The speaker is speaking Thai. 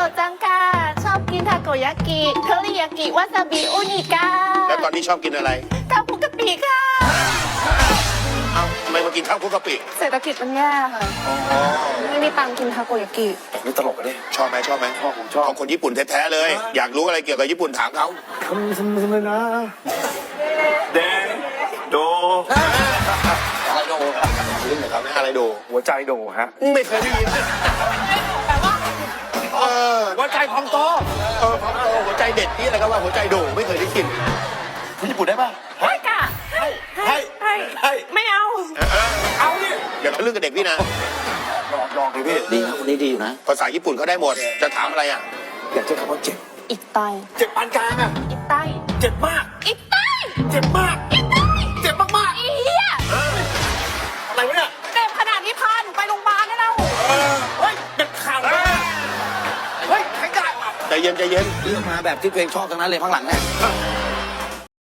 ะจังค่ะชอบกินทาโกยากิเทอริยากิวาซาบิอุนิกาแล้วตอนนี้ชอบกินอะไรข้าวคลุกกะปิค่ะเอ้าทำไมมากินข้าวคลุกกะปิเศรษฐกิจมันแย่ค่ะไม่มีตังค์กินทาโกยากินี่ตลกอะเนี่ยชอบไหมชอบไหมชอบผมชอบของคนญี่ปุ่นแท้ๆเลย อยากรู้อะไรเกี่ยวกับญี่ปุ่นถามเขาทำไมนะแดงโดอะไรโดเรื่องไหนครับอะไรโดหัวใจโดฮะไม่เคยได้ยินหัวใจพองโตพอหัวใจเด็ดนี่อะไรก็ว่าหัวใจโดไม่เคยได้กินพูดญี่ปุ่นได้ป่ะให้ค่ะให้ไม่เอาเอาดิอย่าทะลึ่งกับเด็กพี่นะลองดิพี่ดีนะคนนี้ดีอยู่นะภาษาญี่ปุ่นเขาได้หมด จะถามอะไรอ่ะอยากใช้คำว่าเจ็บอีกไตเจ็บปานกลางอะอีกไตเจ็บมากอีกไตเจ็บมากอีกไตเจ็บมากอีเหี้ยๆอะไรวะเนี่ยเจ็บขนาดนี้พาหนูไปโรงพยาบาลได้แล้วเฮ้ยเป็นข่าวเลยเฮ้ยใครได้วะใจเย็นใจเย็นเรื่องมาแบบที่เพลงชอบทั้งนั้นเลยข้างหลังเนี่ย